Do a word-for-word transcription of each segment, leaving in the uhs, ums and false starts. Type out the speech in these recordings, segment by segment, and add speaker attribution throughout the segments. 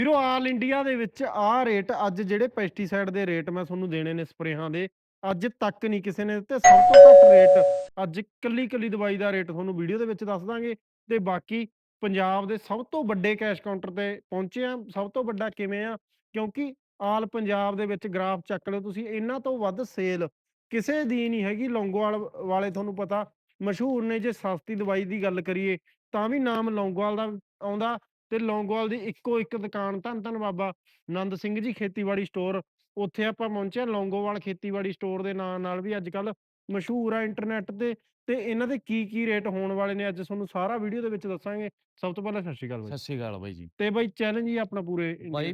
Speaker 1: ਵੀਰੋ all India ਦੇ ਵਿੱਚ ਆਹ ਰੇਟ ਅੱਜ ਜਿਹੜੇ ਪੈਸਟੀਸਾਈਡ ਦੇ ਰੇਟ ਮੈਂ ਤੁਹਾਨੂੰ ਦੇਣੇ ਨੇ ਸਪਰੇਹਾਂ ਦੇ, ਅੱਜ ਤੱਕ ਨਹੀਂ ਕਿਸੇ ਨੇ ਦਿੱਤੇ। ਸਭ ਤੋਂ ਘੱਟ ਰੇਟ ਅੱਜ ਕੱਲੀ ਕੱਲੀ ਦਵਾਈ ਦਾ ਰੇਟ ਤੁਹਾਨੂੰ ਵੀਡੀਓ ਦੇ ਵਿੱਚ ਦੱਸ ਦਾਂਗੇ। ਤੇ ਬਾਕੀ ਪੰਜਾਬ ਦੇ ਸਭ ਤੋਂ ਵੱਡੇ ਕੈਸ਼ ਕਾਊਂਟਰ ਤੇ ਪਹੁੰਚੇ ਆ। ਸਭ ਤੋਂ ਵੱਡਾ ਕਿਵੇਂ ਆ, ਕਿਉਂਕਿ ਆਲ ਪੰਜਾਬ ਦੇ ਵਿੱਚ ਗ੍ਰਾਫ ਚੱਕ ਲਿਓ ਤੁਸੀਂ, ਇਹਨਾਂ ਤੋਂ ਵੱਧ ਸੇਲ ਕਿਸੇ ਦੀ ਨਹੀਂ ਹੈਗੀ। ਲੌਂਗੋਵਾਲ ਵਾਲੇ ਤੁਹਾਨੂੰ ਪਤਾ ਮਸ਼ਹੂਰ ਨੇ। ਜੇ ਸਸਤੀ ਦਵਾਈ ਦੀ ਗੱਲ ਕਰੀਏ ਤਾਂ ਵੀ ਨਾਮ ਲੌਂਗੋਵਾਲ ਦਾ ਆਉਂਦਾ। ਤੇ ਲੌਂਗੋਵਾਲ ਦੀ ਇੱਕੋ ਇੱਕ ਦੁਕਾਨ ਧੰਨ ਧੰਨ ਬਾਬਾ ਨੰਦ ਸਿੰਘ ਜੀ ਖੇਤੀਬਾੜੀ ਸਟੋਰ, ਉੱਥੇ ਆਪਾਂ ਪਹੁੰਚੇ। ਲੌਂਗੋਵਾਲ ਖੇਤੀਬਾੜੀ ਸਟੋਰ ਦੇ ਨਾਂ ਨਾਲ ਵੀ ਅੱਜ ਕੱਲ ਮਸ਼ਹੂਰ ਆ ਇੰਟਰਨੈਟ ਤੇ। ਤੇ ਇਹਨਾਂ ਦੇ ਕੀ ਕੀ ਰੇਟ ਹੋਣ ਵਾਲੇ ਨੇ ਅੱਜ ਤੁਹਾਨੂੰ ਸਾਰਾ ਵੀਡੀਓ ਦੇ ਵਿੱਚ ਦੱਸਾਂਗੇ। ਸਭ ਤੋਂ ਪਹਿਲਾਂ ਸਤਿ ਸ਼੍ਰੀ ਅਕਾਲ ਬਾਈ।
Speaker 2: ਸਤਿ ਸ਼੍ਰੀ ਅਕਾਲ ਬਾਈ ਜੀ।
Speaker 1: ਤੇ ਬਾਈ ਚੈਲੰਜ ਹੀ ਆਪਣਾ ਪੂਰੇ India.
Speaker 2: By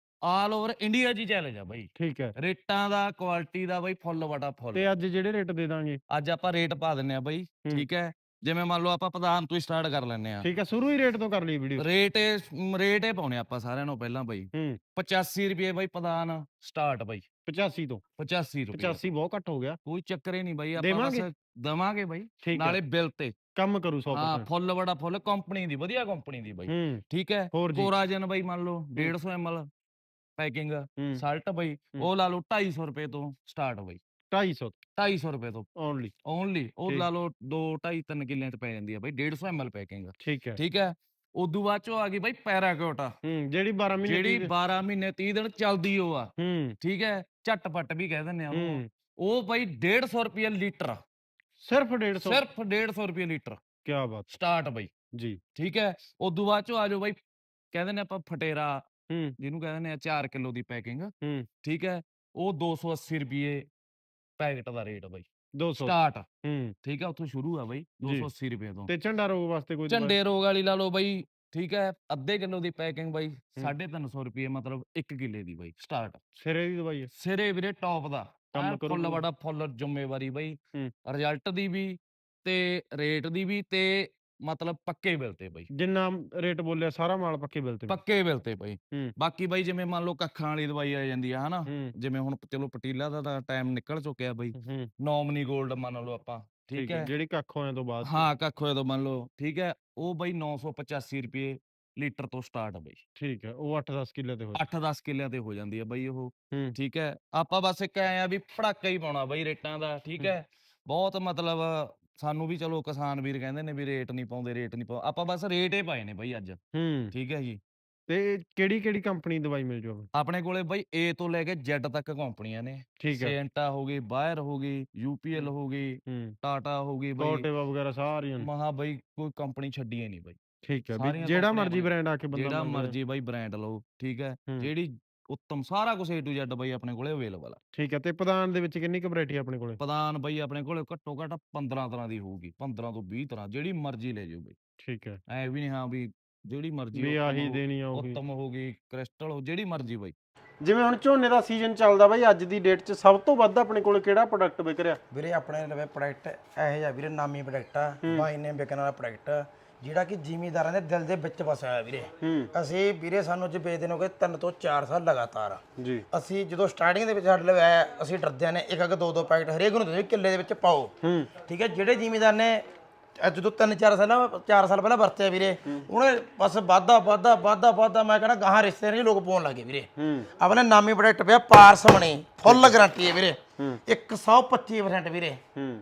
Speaker 2: all over India 'ਚ ਹੀ ਚੈਲੰਜ ਆ ਬਾਈ।
Speaker 1: ਠੀਕ ਹੈ।
Speaker 2: ਰੇਟਾਂ ਦਾ, ਕੁਆਲਿਟੀ ਦਾ ਬਾਈ ਫੁੱਲ ਵਟਾ ਫੁੱਲ।
Speaker 1: ਤੇ ਅੱਜ ਜਿਹੜੇ ਰੇਟ ਦੇ ਦਾਂਗੇ
Speaker 2: ਅੱਜ ਆਪਾਂ ਰੇਟ ਪਾ ਦਿੰਨੇ ਆ ਬਾਈ,
Speaker 1: ਹੂੰ
Speaker 2: ਠੀਕ ਹੈ। ਜਿਵੇਂ ਮੰਨ ਲਓ ਆਪਾਂ ਪ੍ਰਧਾਨ ਤੋਂ ਹੀ ਸਟਾਰਟ ਕਰ ਲੈਂਦੇ ਆ।
Speaker 1: ਠੀਕ ਹੈ, ਸ਼ੁਰੂ ਹੀ ਰੇਟ ਤੋਂ ਕਰ ਲਈ ਵੀਡੀਓ।
Speaker 2: ਰੇਟ ਇਹ ਰੇਟ ਇਹ ਪਾਉਣੇ ਆਪਾਂ ਸਾਰਿਆਂ ਨੂੰ ਪਹਿਲਾਂ ਬਾਈ।
Speaker 1: ਹੂੰ
Speaker 2: ਪਚਾਸੀ ਰੁਪਏ ਬਾਈ ਪ੍ਰਧਾਨ ਸਟਾਰਟ ਬਾਈ।
Speaker 1: ਪਚਾਸੀ ਤੋਂ
Speaker 2: ਪਚਾਸੀ ਰੁਪਏ
Speaker 1: ਪਚਾਸੀ ਬਹੁਤ ਘੱਟ ਹੋ ਗਿਆ।
Speaker 2: ਕੋਈ ਚੱਕਰ ਹੀ ਨਹੀਂ ਬਾਈ, ਆਪਾਂ ਬਸ
Speaker 1: ਦੇਵਾਂਗੇ
Speaker 2: ਦਵਾਂਗੇ ਬਾਈ।
Speaker 1: ਠੀਕ ਹੈ,
Speaker 2: ਨਾਲੇ ਬਿੱਲ ਤੇ
Speaker 1: ਕੰਮ ਕਰੂ
Speaker 2: ਹਾਂ
Speaker 1: ਸੌ ਪਰਸੈਂਟ।
Speaker 2: ਫੁੱਲ ਵਟਾ ਫੁੱਲ ਕੰਪਨੀ ਦੀ, ਵਧੀਆ ਕੰਪਨੀ ਦੀ ਬਾਈ,
Speaker 1: ਹੂੰ
Speaker 2: ਠੀਕ ਹੈ।
Speaker 1: ਹੋਰ ਜੀ।
Speaker 2: ਕੋਰਾਜਨ ਬਾਈ ਮੰਨ ਲਓ ਡੇਢ ਸੌ ਐਮ ਐਲ ਪੈਕਿੰਗ।
Speaker 1: ਹੂੰ
Speaker 2: ਸਲਟ ਬਾਈ
Speaker 1: ਹੂੰ
Speaker 2: ਉਹ ਲਾ ਲਓ ਢਾਈ ਸੌ ਰੁਪਏ ਤੋਂ ਸਟਾਰਟ ਬਾਈ।
Speaker 1: ਢਾਈ ਸੌ
Speaker 2: ਢਾਈ ਸੌ ਰੁਪਏ ਤੋਂ
Speaker 1: ਓਨਲੀ।
Speaker 2: ਓਨਲੀ ਉਹ
Speaker 1: ਠੀਕ
Speaker 2: ਲਾ ਲਓ ਦੋ ਢਾਈ ਤਿੰਨ ਕਿੱਲਿਆਂ 'ਚ ਪੈ ਜਾਂਦੀ ਆ ਬਾਈ ਡੇਢ ਸੌ ਐਮ ਐਲ ਪੈਕਿੰਗ,
Speaker 1: ਠੀਕ ਹੈ।
Speaker 2: ਠੀਕ ਹੈ। ਉਦੋਂ ਬਾਅਦ ਚੋਂ ਆ ਗਈ ਬਾਈ ਪੈਰਾਕਿਊਟ,
Speaker 1: ਹੂੰ ਜਿਹੜੀ ਬਾਰਾਂ ਮਹੀਨੇ
Speaker 2: ਜਿਹੜੀ
Speaker 1: ਤੀਹ।
Speaker 2: ਬਾਰਾਂ ਮਹੀਨੇ ਤੀਹ ਦਿਨ ਚੱਲਦੀ ਉਹ ਆ,
Speaker 1: ਹੂੰ
Speaker 2: ਠੀਕ ਹੈ। ਝਟਪਟ ਵੀ ਕਹਿ ਦਿੰਦੇ ਆ ਉਹਨੂੰ।
Speaker 1: ਹੂੰ
Speaker 2: ਉਹ ਬਾਈ ਡੇਢ ਸੌ ਰੁਪਏ ਲੀਟਰ,
Speaker 1: ਸਿਰਫ ਡੇਢ ਸੌ।
Speaker 2: ਸਿਰਫ ਡੇਢ ਸੌ ਰੁਪਏ ਲੀਟਰ
Speaker 1: ਕੀ ਬਾਤ
Speaker 2: ਸਟਾਰਟ ਬਾਈ,
Speaker 1: ਜੀ।
Speaker 2: ਠੀਕ ਹੈ। ਉਦੋਂ ਬਾਅਦ ਚੋਂ ਆ ਜਾਓ ਬਾਈ, ਕਹਿੰਦੇ ਨੇ ਆਪਾਂ ਫਟੇਰਾ,
Speaker 1: ਹੂੰ
Speaker 2: ਜਿਹਨੂੰ ਕਹਿੰਦੇ ਨੇ ਚਾਰ ਕਿਲੋ ਦੀ ਪੈਕਿੰਗ,
Speaker 1: ਹੂੰ
Speaker 2: ਠੀਕ ਹੈ। ਉਹ ਦੋ ਸੌ ਅੱਸੀ ਰੁਪਏ ਪੈਕਟ ਦਾ ਰੇਟ ਬਾਈ
Speaker 1: ਦੋ ਸੌ
Speaker 2: ਸਟਾਰਟ,
Speaker 1: ਹੂੰ
Speaker 2: ਠੀਕ ਹੈ। ਉੱਥੋਂ ਸ਼ੁਰੂ ਆ ਬਾਈ
Speaker 1: ਜੀ।
Speaker 2: ਦੋ ਸੌ ਅੱਸੀ ਰੁਪਏ ਤੋਂ।
Speaker 1: ਤੇ ਝੰਡਾ ਰੋਗ ਵਾਸਤੇ ਕੋਈ ਦਵਾਈ?
Speaker 2: ਝੰਡੇ ਰੋਗ ਵਾਲੀ ਲਾ ਲਓ ਬਾਈ, ਠੀਕ ਹੈ। ਅੱਧੇ ਕਿਲੋ ਦੀ ਪੈਕਿੰਗ ਬਾਈ ਸਾਢੇ ਤਿੰਨ ਸੌ ਰੁਪਏ, ਮਤਲਬ ਇੱਕ ਕਿੱਲੇ ਦੀ ਬਾਈ ਸਟਾਰਟ।
Speaker 1: ਸਿਰੇ ਦੀ ਦਵਾਈ ਹੈ,
Speaker 2: ਸਿਰੇ ਵੀਰੇ ਟੌਪ ਦਾ
Speaker 1: ਕੰਮ
Speaker 2: ਐਨ
Speaker 1: ਕਰੂ
Speaker 2: ਫੁੱਲ
Speaker 1: ਪੂਰਾ।
Speaker 2: ਬੜਾ ਫੁੱਲ ਜ਼ਿੰਮੇਵਾਰੀ ਬਾਈ,
Speaker 1: ਹੂੰ
Speaker 2: ਰਿਜ਼ਲਟ ਦੀ ਵੀ ਤੇ ਰੇਟ ਦੀ ਵੀ, ਤੇ ਮਤਲਬ ਪੱਕੇ ਬਿੱਲ ਤੇ ਬਾਈ।
Speaker 1: ਜਿੰਨਾ ਰੇਟ ਬੋਲਿਆ ਸਾਰਾ ਮਾਲ ਪੱਕੇ ਬਿੱਲ ਤੇ।
Speaker 2: ਪੱਕੇ ਬਿੱਲ ਤੇ ਬਾਈ।
Speaker 1: ਹੂੰ
Speaker 2: ਬਾਕੀ ਬਾਈ ਜਿਵੇਂ ਮੰਨ ਲਓ ਕੱਖਾਂ ਵਾਲੀ ਦਵਾਈ ਆ ਜਾਂਦੀ ਆ ਹਨਾ,
Speaker 1: ਹੂੰ
Speaker 2: ਜਿਵੇਂ ਹੁਣ ਚਲੋ ਪਟੀਲਾ ਦਾ ਤਾਂ ਟਾਈਮ ਨਿਕਲ ਚੁੱਕਿਆ ਬਾਈ।
Speaker 1: ਹੂੰ
Speaker 2: ਨੋਮਨੀ ਗੋਲਡ ਮੰਨ ਲਓ ਆਪਾਂ, ਠੀਕ
Speaker 1: ਠੀਕ ਹੈ,
Speaker 2: ਹੈ।
Speaker 1: ਜਿਹੜੀ ਕੱਖ ਹੋਇਆ ਤੋਂ ਬਾਅਦ ਚ।
Speaker 2: ਹਾਂ ਕੱਖ ਹੋਏ ਤੋਂ ਮੰਨ ਲਓ, ਠੀਕ ਹੈ। ਉਹ ਬਾਈ ਨੌ ਸੌ ਪਚਾਸੀ ਰੁਪਏ ਲੀਟਰ ਤੋਂ ਸਟਾਰਟ ਬਾਈ।
Speaker 1: ਠੀਕ ਹੈ, ਉਹ ਅੱਠ ਦਸ ਕਿੱਲੇ ਤੇ ਹੋ।
Speaker 2: ਅੱਠ ਦਸ ਕਿੱਲਿਆਂ ਤੇ ਹੋ ਜਾਂਦੀ ਆ ਬਾਈ ਉਹ,
Speaker 1: ਹੂੰ
Speaker 2: ਠੀਕ ਹੈ। ਆਪਾਂ ਬਸ ਇੱਕ ਐਂ ਆ ਵੀ ਪੜਾਕਾ ਹੀ ਪਾਉਣਾ ਬਾਈ ਰੇਟਾਂ ਦਾ, ਠੀਕ
Speaker 1: ਹੂੰ
Speaker 2: ਹੈ। ਬਹੁਤ ਮਤਲਬ ਸਾਨੂੰ ਵੀ ਚਲੋ ਕਿਸਾਨ ਵੀਰ ਕਹਿੰਦੇ ਨੇ ਵੀ ਰੇਟ ਨਹੀਂ ਪਾਉਂਦੇ, ਰੇਟ ਨਹੀਂ ਪਾਉਂਦੇ, ਆਪਾਂ ਬਸ ਰੇਟ ਹੀ ਪਾਏ ਨੇ ਬਾਈ ਅੱਜ,
Speaker 1: ਹੂੰ
Speaker 2: ਠੀਕ ਹੈ ਜੀ।
Speaker 1: ਤੇ ਕਿਹੜੀ ਕਿਹੜੀ ਕੰਪਨੀ ਦੀ ਦਵਾਈ ਮਿਲ ਜਾਊਗੀ?
Speaker 2: ਆਪਣੇ ਕੋਲੇ ਬਾਈ ਏ ਤੋਂ ਲੈ ਕੇ ਜ਼ੈਡ ਤੱਕ ਕੰਪਨੀਆਂ ਨੇ।
Speaker 1: ਠੀਕ ਹੈ।
Speaker 2: ਸੇਂਟਾ ਹੋ ਗਈ, ਬਾਇਰ ਹੋ ਗਈ, ਯੂਪੀਐਲ
Speaker 1: ਹੂੰ
Speaker 2: ਹੋ ਗਈ,
Speaker 1: ਹੂੰ
Speaker 2: ਟਾਟਾ ਹੋ ਗਈ ਬਾਈ।
Speaker 1: ਕੋਟੇਵਾ ਵਗੈਰਾ ਸਾਰੀਆਂ ਨੇ।
Speaker 2: ਮਹਾ ਬਾਈ ਕੋਈ ਕੰਪਨੀ ਛੱਡੀ ਨਹੀਂ ਬਾਈ,
Speaker 1: ਠੀਕ ਹੈ, ਵੀ
Speaker 2: ਸਾਰੀਆਂ
Speaker 1: ਜਿਹੜਾ
Speaker 2: ਕੰਪਨੀਆਂ
Speaker 1: ਮਰਜ਼ੀ
Speaker 2: ਆਪਣੇ,
Speaker 1: ਬ੍ਰਾਂਡ ਆ ਕੇ ਬੰਦਾ
Speaker 2: ਜਿਹੜਾ
Speaker 1: ਮੰਗ ਰਿਹਾ।
Speaker 2: ਮਰਜ਼ੀ ਬਾਈ ਬ੍ਰਾਂਡ ਲਓ, ਠੀਕ ਹੈ।
Speaker 1: ਹੂੰ
Speaker 2: ਜਿਹੜੀ ਉੱਤਮ ਸਾਰਾ ਕੁਝ ਏ ਟੂ ਜ਼ੈਡ ਬਾਈ ਆਪਣੇ ਕੋਲੇ ਅਵੇਲੇਬਲ ਆ।
Speaker 1: ਠੀਕ ਹੈ। ਤੇ ਪ੍ਰਧਾਨ ਦੇ ਵਿੱਚ ਕਿੰਨੀ ਕੁ ਵੈਰਾਈਟੀ ਆਪਣੇ ਕੋਲੇ?
Speaker 2: ਪ੍ਰਧਾਨ ਬਾਈ ਆਪਣੇ ਕੋਲੇ ਘੱਟੋ ਘੱਟ ਪੰਦਰਾਂ ਤਰ੍ਹਾਂ ਦੀ ਹੋਊਗੀ, ਪੰਦਰਾਂ ਤੋਂ ਵੀਹ ਤਰ੍ਹਾਂ, ਜਿਹੜੀ ਮਰਜ਼ੀ ਲੈ ਜਾਓ ਬਾਈ।
Speaker 1: ਠੀਕ ਹੈ,
Speaker 2: ਐ ਵੀ ਨਹੀਂ ਹਾਂ ਵੀ ਜਿਹੜੀ ਮਰਜ਼ੀ
Speaker 1: ਵੀ
Speaker 2: ਉੱਤਮ
Speaker 1: ਆਹੀ
Speaker 2: ਹੋ,
Speaker 1: ਦੇਣੀ ਆ ਉਹੀ।
Speaker 2: ਉੱਤਮ ਹੋ ਗਈ, ਕ੍ਰਿਸਟਲ ਹੋ, ਜਿਹੜੀ ਮਰਜ਼ੀ ਬਾਈ।
Speaker 1: ਜਿਵੇਂ ਹੁਣ ਝੋਨੇ ਦਾ ਸੀਜ਼ਨ ਚੱਲਦਾ ਬਾਈ, ਅੱਜ ਦੀ ਡੇਟ 'ਚ ਸਭ ਤੋਂ ਵੱਧ ਆਪਣੇ ਕੋਲ ਕਿਹੜਾ ਪ੍ਰੋਡਕਟ ਵਿਕ ਰਿਹਾ?
Speaker 3: ਵੀਰੇ ਆਪਣੇ ਲਵੇ ਪ੍ਰੋਡਕਟ ਇਹੋ ਜਿਹਾ ਵੀਰੇ ਨਾਮੀ ਪ੍ਰੋਡਕਟ ਆ, ਬਾਈ ਨੇ ਵਿਕਣ ਵਾਲਾ ਪ੍ਰੋਡਕਟ, ਜਿਹੜਾ ਕਿ ਜ਼ਿਮੀਂਦਾਰਾਂ ਦੇ ਦਿਲ ਦੇ ਵਿੱਚ ਵਸਿਆ ਹੋਇਆ ਵੀਰੇ। ਅਸੀਂ ਵੀਰੇ ਸਾਨੂੰ ਅੱਜ ਵੇਚਦੇ ਨੂੰ ਹੋ ਗਏ ਤਿੰਨ ਤੋਂ ਚਾਰ ਸਾਲ ਲਗਾਤਾਰ
Speaker 1: ਜੀ।
Speaker 3: ਅਸੀਂ ਜਦੋਂ ਸਟਾਰਟਿੰਗ ਦੇ ਵਿੱਚ ਸਾਡੇ ਲਵੇ ਆਇਆ, ਅਸੀਂ ਡਰਦਿਆਂ ਨੇ ਇੱਕ ਇੱਕ ਦੋ ਦੋ ਪੈਕਟ ਹਰੇਕ ਨੂੰ ਦੇ ਕਿੱਲੇ ਦੇ ਵਿੱਚ ਪਾਓ, ਠੀਕ ਹੈ। ਜਿਹੜੇ ਜ਼ਿਮੀਂਦਾਰ ਨੇ ਜਦੋਂ ਤਿੰਨ ਚਾਰ ਸਾਲਾਂ ਚਾਰ ਸਾਲ ਪਹਿਲਾਂ ਵਰਤਿਆ ਵੀਰੇ, ਉਹਨੇ ਬਸ ਵਾਧਾ ਵਾਧਾ ਵਾਧਾ ਵਾਧਾ, ਮੈਂ ਕਹਿੰਦਾ ਗਾਹਾਂ ਰਿਸ਼ਤੇ ਨਹੀਂ ਲੋਕ ਪਾਉਣ ਲੱਗੇ ਵੀਰੇ। ਆਪਣੇ ਨਾਮੀ ਪ੍ਰੋਡਕਟ ਪਿਆ ਪਾਰਸਮਣੀ, ਫੁੱਲ ਗਰੰਟੀ ਹੈ ਵੀਰੇ, ਇੱਕ ਸੌ ਪੱਚੀ ਪਰਸੈਂਟ ਵੀਰੇ,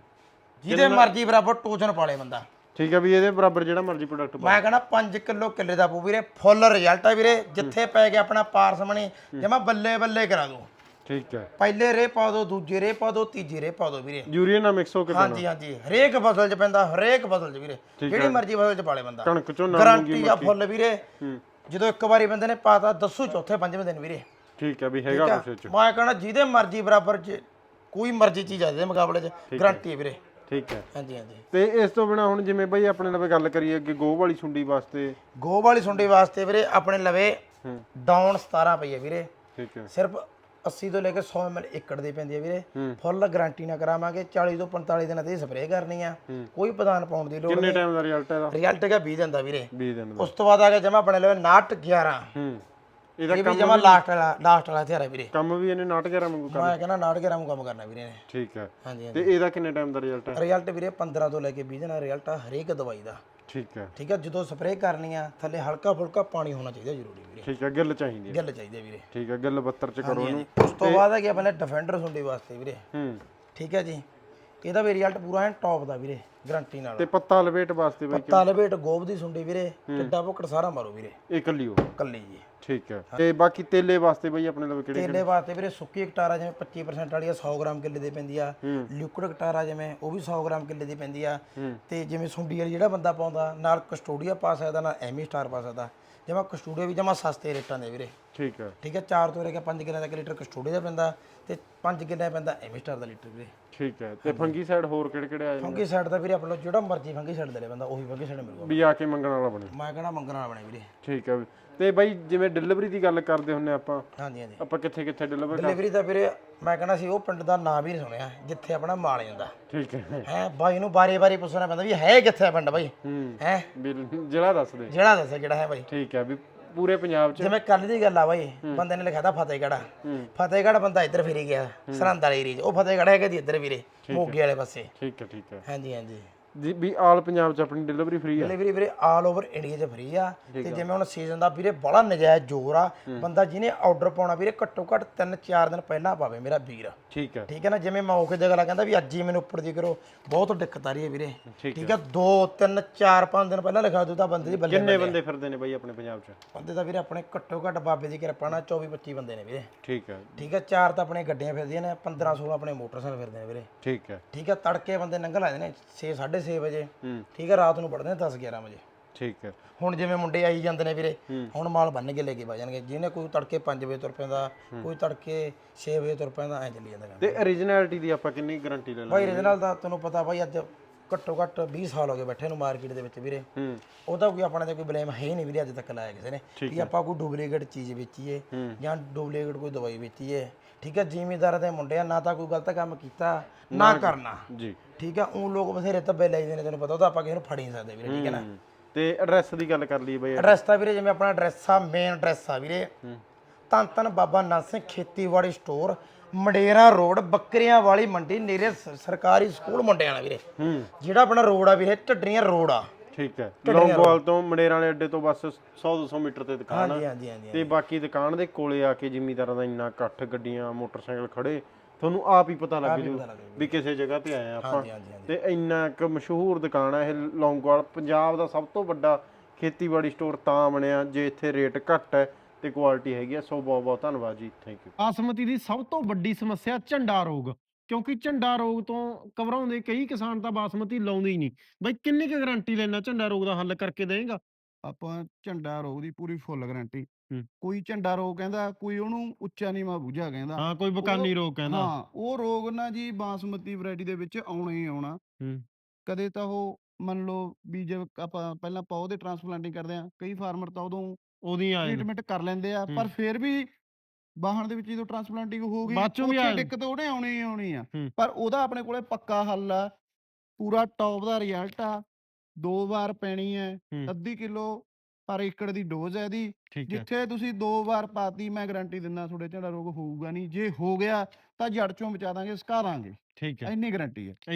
Speaker 3: ਜਿਹਦੇ ਮਰਜ਼ੀ ਬਰਾਬਰ ਟੋਚਨ ਪਾਲੇ ਬੰਦਾ।
Speaker 1: ਠੀਕ ਹੈ, ਵੀ ਇਹਦੇ ਬਰਾਬਰ ਜਿਹੜਾ ਮਰਜ਼ੀ ਪ੍ਰੋਡਕਟ ਪਾ।
Speaker 3: ਮੈਂ ਕਹਿੰਦਾ ਪੰਜ ਕਿਲੋ ਕਿੱਲੇ ਦਾ ਪੂ ਵੀਰੇ, ਫੁੱਲ ਰਿਜ਼ਲਟ ਆ ਵੀਰੇ। ਜਿੱਥੇ ਪੈ ਗਿਆ ਆਪਣਾ ਪਾਰਸਮਣੀ ਜਮਾ ਬੱਲੇ ਬੱਲੇ ਕਰਾ ਦੋ।
Speaker 1: ਠੀਕ ਹੈ,
Speaker 3: ਪਹਿਲੇ ਰੇ ਪਾ ਦੋ, ਦੂਜੇ ਰੇ ਪਾ ਦੋ, ਤੀਜੇ ਰੇ ਪਾ ਦੋ ਵੀਰੇ।
Speaker 1: ਯੂਰੀਆ ਨਾਲ ਮਿਕਸ ਹੋ ਕੇ
Speaker 3: ਹਾਂਜੀ ਹਾਂਜੀ, ਹਰੇਕ ਫਸਲ 'ਚ ਪੈਂਦਾ, ਹਰੇਕ ਫਸਲ 'ਚ ਵੀਰੇ, ਜਿਹੜੀ ਮਰਜ਼ੀ ਫਸਲ 'ਚ ਪਾਲੇ ਬੰਦਾ।
Speaker 1: ਕਣਕ ਝੋਨਾ
Speaker 3: ਗਾਰੰਟੀ ਆ ਫੁੱਲ ਵੀਰੇ। ਜਦੋਂ ਇੱਕ ਵਾਰੀ ਬੰਦੇ ਨੇ ਪਾਤਾ ਦੱਸੂ ਚੌਥੇ ਪੰਜਵੇਂ ਦਿਨ ਵੀਰੇ।
Speaker 1: ਠੀਕ ਹੈ, ਵੀ ਹੈਗਾ ਕੁਛ ਚ।
Speaker 3: ਮੈਂ ਕਹਿੰਦਾ ਜਿਹਦੇ ਮਰਜ਼ੀ ਬਰਾਬਰ 'ਚ ਕੋਈ ਮਰਜ਼ੀ ਚੀਜ਼ ਆ, ਇਹਦੇ ਮੁਕਾਬਲੇ 'ਚ ਗਾਰੰਟੀ ਹੈ ਵੀਰੇ।
Speaker 1: ਠੀਕ ਹੈ,
Speaker 3: ਹਾਂਜੀ ਹਾਂਜੀ।
Speaker 1: ਤੇ ਇਸ ਤੋਂ ਬਿਨਾ ਹੁਣ ਜਿਵੇਂ ਬਈ ਆਪਣੇ ਨਾਲ ਗੱਲ ਕਰੀਏ ਅੱਗੇ ਗੋਹ ਵਾਲੀ ਸੁੰਡੀ ਵਾਸਤੇ?
Speaker 3: ਗੋਹ ਵਾਲੀ ਸੁੰਡੀ ਵਾਸਤੇ ਵੀਰੇ ਆਪਣੇ ਲਵੇ ਡਾਊਨ ਸਤਾਰਾਂ ਪਈ ਹੈ ਵੀਰੇ।
Speaker 1: ਠੀਕ ਹੈ,
Speaker 3: ਸਿਰਫ अस्सी ਤੋਂ ਲੈ ਕੇ ਸੌ ਐਮ ਐਲ ਏਕੜ ਦੀ ਪੈਂਦੀ ਹੈ ਵੀਰੇ। ਫੁੱਲ ਗਾਰੰਟੀ ਨਾਲ ਕਰਾਵਾਂਗੇ, ਚਾਲੀ ਤੋਂ ਪੰਤਾਲੀ ਦਿਨਾਂ ਤੇ ਸਪਰੇਅ ਕਰਨੀ ਆ, ਕੋਈ ਪ੍ਰਧਾਨ ਪਾਉਣ ਦੀ ਲੋੜ
Speaker 1: ਕਿੰਨੇ
Speaker 3: ਨਹੀਂ।
Speaker 1: ਟਾਈਮ ਦਾ ਰਿਜ਼ਲਟ ਇਹਦਾ?
Speaker 3: ਰਿਜ਼ਲਟ ਹੈਗਾ ਵੀਹ ਦਿਨ ਦਾ ਵੀਰੇ।
Speaker 1: ਵੀਹ ਦਿਨ ਦਾ।
Speaker 3: ਉਸ ਤੋਂ ਬਾਅਦ ਆ ਗਿਆ ਜਮਾ ਆਪਣੇ ਲਵੇ ਨਾਟ ਗਿਆਰਾਂ।
Speaker 1: ਹੂੰ ਇਹਦਾ
Speaker 3: ਇਹ ਵੀ ਜਮਾ ਲਾਸਟ ਵਾਲਾ ਲਾਸਟ ਵਾਲਾ ਹਥਿਆਰ ਹੈ ਵੀਰੇ।
Speaker 1: ਕੰਮ ਵੀ ਇਹਨੇ ਨਾਟ ਗਿਆਰਾਂ ਵਾਂਗੂ ਕਰਨਾ?
Speaker 3: ਮੈਂ ਕਹਿੰਦਾ ਨਾਟ ਗਿਆਰਾਂ ਨੂੰ ਕੰਮ ਕਰਨਾ ਵੀਰੇ ਨੇ।
Speaker 1: ਠੀਕ ਹੈ,
Speaker 3: ਹਾਂਜੀ
Speaker 1: ਤੇ
Speaker 3: ਹਾਂਜੀ।
Speaker 1: ਇਹਦਾ ਕਿੰਨੇ ਟਾਈਮ ਦਾ ਰਿਜ਼ਲਟ ਹੈ?
Speaker 3: ਰਿਜ਼ਲਟ ਵੀਰੇ ਪੰਦਰਾਂ ਤੋਂ ਲੈ ਕੇ ਵੀਹ ਦਿਨ ਦਾ ਰਿਜ਼ਲਟ ਆ ਹਰੇਕ ਦਵਾਈ ਦਾ।
Speaker 1: ਠੀਕ ਹੈ
Speaker 3: ਠੀਕ ਹੈ ਜਦੋਂ ਸਪਰੇਅ ਕਰਨੀ ਆ ਥੱਲੇ ਹਲਕਾ ਫੁਲਕਾ ਪਾਣੀ ਹੋਣਾ ਚਾਹੀਦਾ ਜ਼ਰੂਰੀ ਵੀਰੇ
Speaker 1: ਠੀਕ ਹੈ ਗਿੱਲ ਚਾਹੀਦੀ ਹੈ
Speaker 3: ਗਿੱਲ ਚਾਹੀਦੇ ਵੀਰੇ
Speaker 1: ਠੀਕ ਹੈ ਗਿੱਲ ਬੱਤਰ ਚ ਕਰੋ ਇਹਨੂੰ
Speaker 3: ਉਸ ਤੋਂ ਬਾਅਦ ਹੈ ਕਿ ਆਪਣੇ ਡਿਫੈਂਡਰ ਸੁੰਡੀ ਵਾਸਤੇ ਵੀਰੇ
Speaker 1: ਹੂੰ
Speaker 3: ਠੀਕ ਹੈ ਜੀ ਇਹਦਾ ਵੀ ਰਿਜ਼ਲਟ ਪੂਰਾ ਐ ਟੌਪ ਦਾ ਵੀਰੇ ਗਰੰਟੀ ਨਾਲ
Speaker 1: ਤੇ ਪੱਤਾ ਲਪੇਟ ਵਾਸਤੇ ਬਾਈ
Speaker 3: ਪੱਤਾ ਲਪੇਟ ਗੋਬ ਦੀ ਸੁੰਡੀ ਵੀਰੇ ਟਿੱਡਾ ਭੁੱਕੜ ਸਾਰਾ ਮਾਰੋ ਵੀਰੇ
Speaker 1: ਇਹ ਕੱਲੀ ਹੋ
Speaker 3: ਕੱਲੀ ਜੀ
Speaker 1: ਠੀਕ ਹੈ ਤੇ ਬਾਕੀ ਤੇਲੇ ਵਾਸਤੇ ਬਾਈ ਆਪਣੇ ਲਵੇ ਕਿਹੜੇ
Speaker 3: ਤੇਲੇ ਵਾਸਤੇ ਵੀਰੇ ਸੁੱਕੀ ਕਟਾਰਾ ਜਿਵੇਂ ਪੱਚੀ ਪਰਸੈਂਟ ਵਾਲੀ ਆ ਸੌ ਗ੍ਰਾਮ ਕਿੱਲੇ ਦੀ ਪੈਂਦੀ ਆ ਲਿਕੁਇਡ ਕਟਾਰਾ ਜਿਵੇਂ ਉਹ ਵੀ ਸੌ ਗ੍ਰਾਮ ਕਿੱਲੇ ਦੀ ਪੈਂਦੀ ਆ ਤੇ ਜਿਵੇਂ ਸੁੰਡੀ ਵਾਲੀ ਜਿਹੜਾ ਬੰਦਾ ਪਾਉਂਦਾ ਨਾਲ ਕਸਟੋਡੀਆ ਪਾ ਸਕਦਾ ਨਾਲ ਐਮੀ ਸਟਾਰ ਪਾ ਸਕਦਾ ਜਮਾ ਕਸਟੋਡੀਆ ਵੀ ਜਮਾ ਸਸਤੇ ਰੇਟਾਂ ਦੇ ਵੀਰੇ
Speaker 1: ਠੀਕ ਹੈ
Speaker 3: ਠੀਕ ਹੈ ਚਾਰ ਤੋਂ ਲੈ ਕੇ ਪੰਜ ਕਿੱਲੇ ਦਾ ਲੀਟਰ ਕਸਟੋਡੀਆ ਦਾ ਪੈਂਦਾ ਤੇ ਪੰਜ ਕਿੱਲੇ ਪੈਂਦਾ ਐਮੀ ਸਟਾਰ ਦਾ ਲੀਟਰ ਵੀਰੇ
Speaker 1: ਠੀਕ ਹੈ ਤੇ ਫੰਗੀ ਸਾਈਡ ਹੋਰ ਕਿਹੜੇ ਕਿਹੜੇ ਆ ਜਾਂਦੇ
Speaker 3: ਫੰਗੀ ਸਾਈਡ ਦਾ ਵੀਰੇ ਆਪਣਾ ਜਿਹੜਾ ਮਰਜ਼ੀ ਫੰਗੀ ਸਾਈਡ ਦੇ ਲੈ ਬੰਦਾ ਉਹੀ ਫੰਗੀ ਸਾਈਡ ਮਿਲੂਗਾ
Speaker 1: ਵੀ ਆ ਕੇ ਮੰਗਣ ਵਾਲਾ ਬਣੇ
Speaker 3: ਮੈਂ ਕਹਣਾ ਮੰਗਣ ਵਾਲਾ ਬਣੇ ਵੀਰੇ
Speaker 1: ਠੀਕ ਹੈ ਤੇ ਬਾਈ ਜਿਵੇਂ ਡਿਲੀਵਰੀ ਦੀ ਗੱਲ ਕਰਦੇ ਹੁੰਨੇ ਆਪਾਂ
Speaker 3: ਹਾਂਜੀ ਹਾਂਜੀ
Speaker 1: ਆਪਾਂ ਕਿੱਥੇ ਕਿੱਥੇ ਡਿਲੀਵਰ
Speaker 3: ਡਿਲੀਵਰੀ ਦਾ ਵੀਰੇ ਮੈਂ ਕਹਣਾ ਸੀ ਉਹ ਪਿੰਡ ਦਾ ਨਾਂ ਵੀ ਨਹੀਂ ਸੁਣਿਆ ਜਿੱਥੇ ਆਪਣਾ ਮਾਲ ਜਾਂਦਾ
Speaker 1: ਠੀਕ ਹੈ
Speaker 3: ਹੈ ਬਾਈ ਨੂੰ ਬਾਰੇ ਬਾਰੇ ਪੁੱਛਣਾ ਪੈਂਦਾ ਵੀ ਹੈ ਕਿੱਥੇ ਆ ਪਿੰਡ ਬਾਈ
Speaker 1: ਹੂੰ
Speaker 3: ਹੈ
Speaker 1: ਵੀ ਜ਼ਿਲ੍ਹਾ ਦੱਸ ਦੇ
Speaker 3: ਜਿਹੜਾ ਦੱਸੇ ਕਿਹੜਾ ਹੈ ਬਾਈ
Speaker 1: ਠੀਕ ਹੈ ਵੀ ਪੂਰੇ ਪੰਜਾਬ ਚ
Speaker 3: ਜਿਵੇਂ ਕੱਲ ਦੀ ਗੱਲ ਆ ਬਾਈ ਬੰਦੇ ਨੇ ਲਿਖਿਆ ਤਾਂ ਫਤਿਹਗੜ੍ਹ ਫਤਿਹਗੜ੍ਹ ਬੰਦਾ ਇੱਧਰ ਫਿਰੀ ਗਿਆ ਸਰਹੰਦ ਵਾਲੇ ਏਰੀਏ 'ਚ ਉਹ ਫਤਿਹਗੜ੍ਹ ਹੈਗਾ ਜੀ ਇੱਧਰ ਵੀਰੇ ਮੋਗੇ ਵਾਲੇ ਪਾਸੇ
Speaker 1: ਠੀਕ ਹੈ ਠੀਕ ਹੈ
Speaker 3: ਹਾਂਜੀ ਹਾਂਜੀ
Speaker 1: ਜੀ ਵੀ ਆਲ ਪੰਜਾਬ ਚ ਆਪਣੀ ਡਿਲੀਵਰੀ ਫ੍ਰੀ ਆ
Speaker 3: ਡਿਲੀਵਰੀ ਵੀਰੇ ਆਲ ਓਵਰ ਇੰਡੀਆ 'ਚ ਫ੍ਰੀ ਆ ਤੇ ਜਿਵੇਂ ਹੁਣ ਸੀਜ਼ਨ ਦਾ ਵੀਰੇ ਬੜਾ ਨਜਾਇਜ਼ ਜ਼ੋਰ ਆ ਬੰਦਾ ਜਿਹਨੇ ਆਰਡਰ ਪਾਉਣਾ ਵੀਰੇ ਘੱਟੋ ਘੱਟ ਤਿੰਨ ਚਾਰ ਦਿਨ ਪਹਿਲਾਂ ਪਾਵੇ ਮੇਰਾ ਵੀਰ
Speaker 1: ਠੀਕ ਹੈ
Speaker 3: ਠੀਕ ਹੈ ਨਾ ਜਿਵੇਂ ਮੈਂ ਔਖੇ ਦੀ ਗੱਲ ਕਹਿੰਦਾ ਵੀ ਅੱਜ ਹੀ ਮੈਨੂੰ ਉੱਪਰ ਦੀ ਕਰੋ ਬਹੁਤ ਦਿੱਕਤ ਆ ਰਹੀ ਹੈ ਵੀਰੇ
Speaker 1: ਠੀਕ
Speaker 3: ਠੀਕ ਹੈ ਦੋ ਤਿੰਨ ਚਾਰ ਪੰਜ ਦਿਨ ਪਹਿਲਾਂ ਲਿਖਾ ਦੂ ਤਾਂ ਬੰਦੇ ਦੀ ਬੱਲੇ
Speaker 1: ਕਿੰਨੇ ਬੰਦੇ ਫਿਰਦੇ ਨੇ ਬਾਈ ਆਪਣੇ ਪੰਜਾਬ ਚ
Speaker 3: ਬੰਦੇ ਤਾਂ ਵੀਰੇ ਆਪਣੇ ਘੱਟੋ ਘੱਟ ਬਾਬੇ ਦੀ ਕਿਰਪਾ ਨਾਲ ਚੌਵੀ ਪੱਚੀ ਬੰਦੇ ਨੇ ਵੀਰੇ
Speaker 1: ਠੀਕ ਹੈ
Speaker 3: ਠੀਕ ਹੈ ਚਾਰ ਤਾਂ ਆਪਣੇ ਗੱਡੀਆਂ ਫਿਰਦੀਆਂ ਨੇ ਪੰਦਰਾਂ ਸੋਲਾਂ ਆਪਣੇ ਮੋਟਰਸਾਈਕਲ ਫਿਰਦੇ ਨੇ ਵੀਰੇ
Speaker 1: ਠੀਕ ਹੈ
Speaker 3: ਠੀਕ ਹੈ ਤੜਕੇ ਬੰਦੇ ਲੰਘ ਲਾਦੇ ਨੇ ਛੇ ਸਾਢੇ ਛੇ ਵਜੇ
Speaker 1: ਹੂੰ
Speaker 3: ਠੀਕ ਹੈ ਰਾਤ ਨੂੰ ਪੜਦੇ ਨੇ ਦਸ ਗਿਆਰਾਂ ਵਜੇ
Speaker 1: ਠੀਕ ਹੈ
Speaker 3: ਹੁਣ ਜਿਵੇਂ ਮੁੰਡੇ ਆਈ ਜਾਂਦੇ ਨੇ ਵੀਰੇ ਹੁਣ ਮਾਲ ਬੰਨ ਕੇ ਲੈ ਕੇ ਵਜ ਜਾਣਗੇ ਜਿਹਨੇ ਕੋਈ ਤੜਕੇ ਪੰਜ ਵਜੇ ਤੁਰ ਪੈਂਦਾ ਕੋਈ ਤੜਕੇ ਛੇ ਵਜੇ ਤੁਰ ਪੈਂਦਾ ਐ ਚੱਲੀ ਜਾਂਦਾ ਕੰਮ
Speaker 1: ਤੇ origignality ਦੀ ਆਪਾਂ ਕਿੰਨੀ ਗਾਰੰਟੀ ਲੈ
Speaker 3: ਬਾਈ
Speaker 1: ਲਾਂਗੇ
Speaker 3: ਰੀਜਨਲ ਦਾ ਤੁਹਾਨੂੰ ਪਤਾ ਬਾਈ ਅੱਜ ਘੱਟੋ ਘੱਟ ਵੀਹ ਸਾਲ ਹੋ ਗਏ ਬੈਠੇ ਨੂੰ ਮਾਰਕੀਟ ਦੇ ਵਿੱਚ ਵੀਰੇ
Speaker 1: ਹੂੰ
Speaker 3: ਉਹਦਾ ਕੋਈ ਆਪਣੇ ਤੇ ਕੋਈ ਬਲੇਮ ਹੈ ਹੀ ਨਹੀਂ ਵੀਰੇ ਅੱਜ ਤੱਕ ਲਾਇਆ ਕਿਸੇ ਨੇ ਵੀ ਆਪਾਂ ਕੋਈ ਡੁਪਲੀਕੇਟ ਚੀਜ਼ ਵੇਚੀਏ ਜਾਂ ਡੁਪਲੀਕੇਟ ਕੋਈ ਦਵਾਈ ਵੇਚੀਏ ਠੀਕ ਹੈ ਜ਼ਿਮੀਦਾਰ ਦੇ ਮੁੰਡੇ ਆ ਨਾ ਤਾਂ ਕੋਈ ਗਲਤ ਕੰਮ ਕੀਤਾ ਨਾ ਕਰਨਾ
Speaker 1: ਜੀ
Speaker 3: ਠੀਕ ਹੈ ਉਹ ਲੋਕ ਬਥੇਰੇ ਧੱਬੇ ਲੈ ਜਾਂਦੇ ਨੇ ਤੈਨੂੰ ਪਤਾ ਉਹ ਤਾਂ ਆਪਾਂ ਕਿਸੇ ਨੂੰ ਫੜ ਹੀ ਨਹੀਂ ਸਕਦੇ ਵੀਰੇ ਠੀਕ ਹੈ ਨਾ
Speaker 1: ਤੇ ਐਡਰੈਸ ਦੀ ਗੱਲ ਕਰ ਲਈਏ ਬਾਈ
Speaker 3: ਐਡਰੈਸ ਤਾਂ ਵੀਰੇ ਜਿਵੇਂ ਆਪਣਾ ਐਡਰੈਸ ਆ ਮੇਨ ਐਡਰੈਸ ਆ ਵੀਰੇ ਧੰਨ ਧੰਨ ਬਾਬਾ ਨਾਨਕ ਸਿੰਘ ਖੇਤੀਬਾੜੀ ਸਟੋਰ ਮੰਡੇਰਾ ਰੋਡ ਬੱਕਰੀਆਂ ਵਾਲੀ ਮੰਡੀ ਨੇੜੇ ਸ- ਸਰਕਾਰੀ ਸਕੂਲ ਮੁੰਡਿਆਂ ਵਾਲਾ ਵੀਰੇ
Speaker 1: ਹੂੰ
Speaker 3: ਜਿਹੜਾ ਆਪਣਾ ਰੋਡ ਆ ਵੀਰੇ ਢੱਡਰੀਆਂ ਰੋਡ ਆ
Speaker 1: ਠੀਕ ਹੈ ਲੌਂਗੋਵਾਲ ਤੋਂ ਮੰਡੇਰਾਂ ਵਾਲੇ ਅੱਡੇ ਤੋਂ ਬਸ ਸੌ ਦੋ ਸੌ ਮੀਟਰ ਤੇ ਦੁਕਾਨ ਆ
Speaker 3: ਹਾਂਜੀ ਹਾਂਜੀ ਹਾਂਜੀ
Speaker 1: ਤੇ ਬਾਕੀ ਦੁਕਾਨ ਦੇ ਕੋਲੇ ਆ ਕੇ ਜ਼ਿਮੀਦਾਰਾਂ ਦਾ ਇੰਨਾ ਇਕੱਠ ਗੱਡੀਆਂ ਮੋਟਰਸਾਈਕਲ ਖੜੇ ਤੁਹਾਨੂੰ ਆਪ ਹੀ ਪਤਾ ਲੱਗ ਜੂ ਵੀ ਕਿਸੇ ਜਗ੍ਹਾ ਤੇ ਆਏ ਆ ਆਪਾਂ
Speaker 3: ਹਾਂਜੀ ਹਾਂਜੀ
Speaker 1: ਤੇ ਇੰਨਾ ਇੱਕ ਮਸ਼ਹੂਰ ਦੁਕਾਨ ਆ ਇਹ ਲੌਂਗੋਵਾਲ ਪੰਜਾਬ ਦਾ ਸਭ ਤੋਂ ਵੱਡਾ ਖੇਤੀਬਾੜੀ ਸਟੋਰ ਤਾਂ ਬਣਿਆ ਜੇ ਇੱਥੇ ਰੇਟ ਘੱਟ ਹੈ ਤੇ ਕੁਆਲਿਟੀ ਹੈਗੀ ਆ। ਸੋ ਬਹੁਤ ਬਹੁਤ ਧੰਨਵਾਦ ਜੀ, ਥੈਂਕ ਯੂ।
Speaker 4: ਬਾਸਮਤੀ ਦੀ ਸਭ ਤੋਂ ਵੱਡੀ ਸਮੱਸਿਆ ਝੰਡਾ ਰੋਗ, ਕਿਉਂਕਿ ਝੰਡਾ ਰੋਗ ਤੋਂ ਘਬਰਾਉਂਦੇ ਕਈ ਕਿਸਾਨ ਤਾਂ ਬਾਸਮਤੀ ਲਾਉਂਦੇ ਹੀ ਨਹੀਂ। ਬਈ ਕਿੰਨੀ ਕੁ ਗਾਰੰਟੀ ਲੈਣਾ ਝੰਡਾ ਰੋਗ ਦਾ ਹੱਲ ਕਰਕੇ ਦੇਗਾ?
Speaker 5: ਆਪਾਂ ਝੰਡਾ ਰੋਗ ਦੀ ਪੂਰੀ ਫੁੱਲ ਗਾਰੰਟੀ।
Speaker 4: ਹੂੰ।
Speaker 5: ਕੋਈ ਝੰਡਾ ਰੋਗ ਕਹਿੰਦਾ, ਕੋਈ ਉਹਨੂੰ ਉੱਚਾ ਨੀਵਾਂ ਬੂਝਾ ਕਹਿੰਦਾ।
Speaker 4: ਹਾਂ, ਕੋਈ ਬਕਾਨੀ ਰੋਗ ਕਹਿੰਦਾ।
Speaker 5: ਹਾਂ, ਉਹ ਰੋਗ ਨਾ ਜੀ ਬਾਸਮਤੀ ਵੈਰਾਈਟੀ ਦੇ ਵਿੱਚ ਆਉਣਾ ਹੀ ਆਉਣਾ।
Speaker 4: ਹੂੰ।
Speaker 5: ਕਦੇ ਤਾਂ ਉਹ ਮੰਨ ਲਓ ਵੀ ਜੇ ਆਪਾਂ ਪਹਿਲਾਂ ਪੌ ਦੇ ਟ੍ਰਾਂਸਪਲਾਂਟਿੰਗ ਕਰਦੇ ਆ, ਕਈ ਫਾਰਮਰ ਤਾਂ ਉਦੋਂ
Speaker 4: ਉਹਦੀ ਆ
Speaker 5: ਟ੍ਰੀਟਮੈਂਟ ਕਰ ਲੈਂਦੇ ਆ, ਪਰ ਫਿਰ ਵੀ ਬਾਹਣ ਦੇ ਵਿੱਚ ਜਦੋਂ ਟ੍ਰਾਂਸਪਲਾਂਟਿੰਗ ਹੋ ਗਈ
Speaker 4: ਬਾਅਦ ਚੋਂ ਵੀ
Speaker 5: ਉੱਥੇ
Speaker 4: ਆ-
Speaker 5: ਦਿੱਕਤ ਉਹਨੇ ਆਉਣੀ ਹੀ ਆਉਣੀ ਆ।
Speaker 4: ਹੂੰ।
Speaker 5: ਪਰ ਉਹਦਾ ਆਪਣੇ ਕੋਲੇ ਪੱਕਾ ਹੱਲ ਆ, ਪੂਰਾ ਟੌਪ ਦਾ ਰਿਜ਼ਲਟ ਆ। ਦੋ ਵਾਰ ਪੈਣੀ ਹੈ,
Speaker 4: ਹੂੰ।
Speaker 5: ਅੱਧੀ ਕਿਲੋ ਪਰ ਏਕੜ ਦੀ ਡੋਜ਼ ਹੈ ਇਹਦੀ।
Speaker 4: ਠੀਕ ਹੈ।
Speaker 5: ਜਿੱਥੇ ਤੁਸੀਂ ਦੋ ਵਾਰ ਪਾਤੀ, ਮੈਂ ਗਾਰੰਟੀ ਦਿੰਦਾ ਤੁਹਾਡੇ ਝੰਡਾ ਰੋਗ ਹੋਊਗਾ ਨਹੀਂ। ਜੇ ਹੋ ਗਿਆ ਤਾਂ ਜੜ ਚੋਂ ਬਚਾ ਦਾਂਗੇ, ਸੁਕਾ ਦਾਂਗੇ,
Speaker 4: ਠੀਕ ਹੈ।
Speaker 5: ਇੰਨੀ ਗਾਰੰਟੀ ਹੈ।